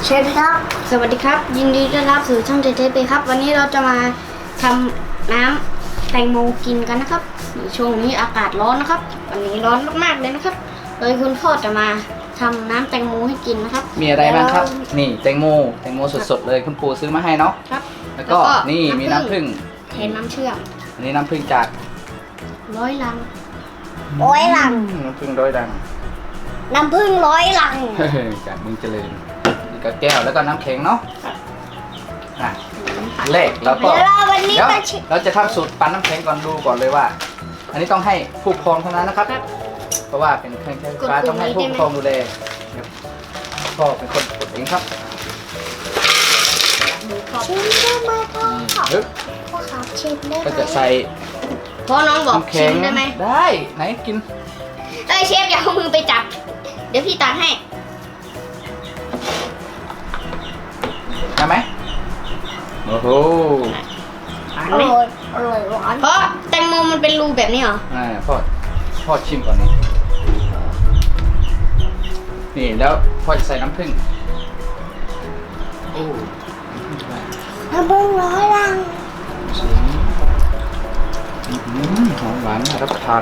เชฟครับสวัสดีครับยินดีต้อนรับสู่ช่องเจเจเปครับวันนี้เราจะมาทำน้ำแตงโมกินกันนะครับช่วงนี้อากาศร้อนนะครับวันนี้ร้อนมากๆเลยนะครับโดยคุณพ่อจะมาทำน้ำแตงโมให้กินนะครับมีอะไรบ้างครับนี่แตงโมสดๆเลยคุณปู่ซื้อมาให้เนาะครับแล้วก็นี่มีน้ำผึ้งแทนน้ำเชื่อมอันนี้น้ำผึ้งจาก 100 ลังน้ำผึ้ง100 ลังน้ำผึ้ง100 ลังจากเมืองเจริญนี่ก็แก้วแล้วก็น้ำแข็งเนาะแรกแล้วก็เดี๋ยวเราจะทำสูตรปั่นน้ำแข็งก่อนดูก่อนเลยว่า อันนี้ต้องให้ผู้ปกครองเท่านั้นนะครับเพราะว่าเป็นเครื่องใช้ไฟฟ้าต้องให้ผู้ปกครองดูแลก็เป็นคนกดเองครับชิมได้ไหมพ่อครับชิมได้ไหมก็จะใส่พ่อน้องบอกชิมได้ไหมได้ไหนกินเชฟอย่าเอามือไปจับเดี๋ยวพี่ตักให้ได้ไหมโอ้โหอร่อยหวานเพราะแตงโมมันเป็นรูแบบนี้เหรอพ่อชิมก่อนนี่แล้วพ่อจะใส่น้ำผึ้งโอ้น้ำผึ้ง100 ลังหอมหวานน่ารับประทาน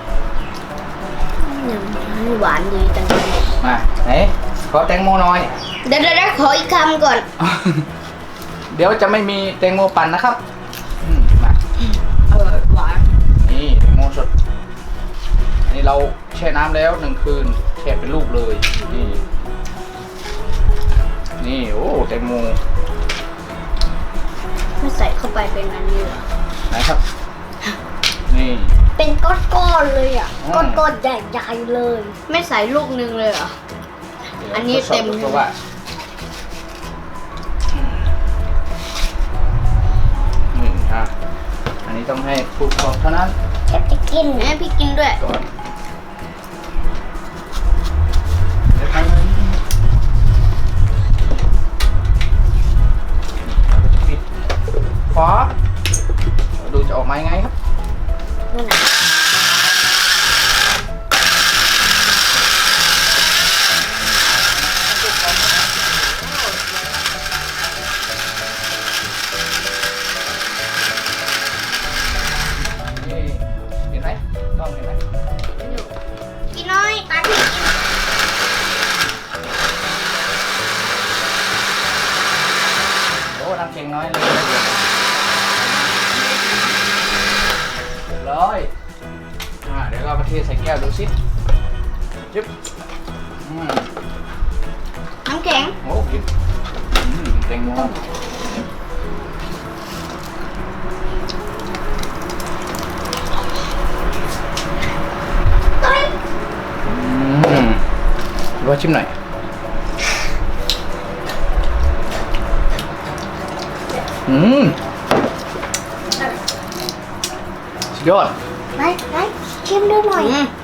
หวานดีจังเลยมาไหนขอแตงโมหน่อยเดี๋ยวขออีกคำก่อนเดี๋ยวจะไม่มีแตงโมปั่นนะครับมาหวานนี่แตงโมสดอันนี้เราแช่น้ำแล้ว1 คืนแช่เป็นลูกเลยนี่โอ้แตงโมไม่ใส่เข้าไปเป็นอันนี้เหรอไหนครับนี่เป็นก้อนๆเลยอ่ะก้อนๆใหญ่ๆเลยไม่ใส่ลูกนึงเลยเหรออันนี้เต็มเพราะว่าอันนี้ต้องให้ผู้ปกครองเท่านั้นจะกินให้พี่กินด้วยก่อนฝาดูจะออกมายังไงครับนั่นน่ะเห็นไหมกล้องเห็นไหมพี่น้อยตาพี่กินโอ้น้ำเค็งน้อยเลยร้อยเดี๋ยวเรามาเทใส่แก้วดูสิจิ๊บน้ำแข็งโอ้กินแตงโมว่าชิมหน่อยสุดยอดไหนชิมดูหน่อย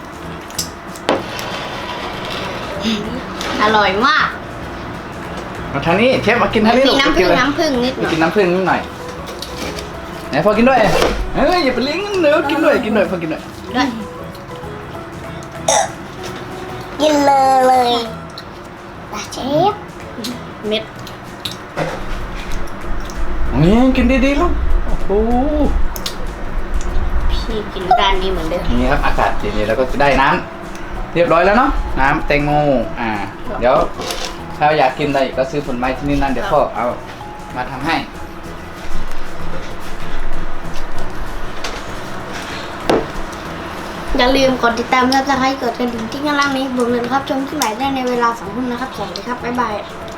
อร่อยมากมาทางนี้เชฟมากินทางนี้ลูกน้ำผึ้งนิดหน่อยกินน้ำผึ้งนิดหน่อยไหนพอกินด้วยเฮ้ยอย่าไปเลี้ยงเนื้อกินด้วยพอกินด้วยกินเลยเชฟเม็ดนี่กินดีๆลูกโอ้โหพี่กินด้านนี้เหมือนเดิมนี่ครับอากาศเย็นๆแล้วก็ได้น้ำเรียบร้อยแล้วเนาะน้ำแตงโมเดี๋ยวถ้าอยากกินอะไรก็ซื้อผลไม้ที่นี่นั่นเดี๋ยวพ่อเอามาทำให้อย่าลืมกดติดตามและจะให้เกิดกระดิ่งที่ข้างล่างนี้ผมเลยครับชมที่ใหม่ได้ในเวลา 20:00 นนะครับสวัสดีครับบ๊ายบาย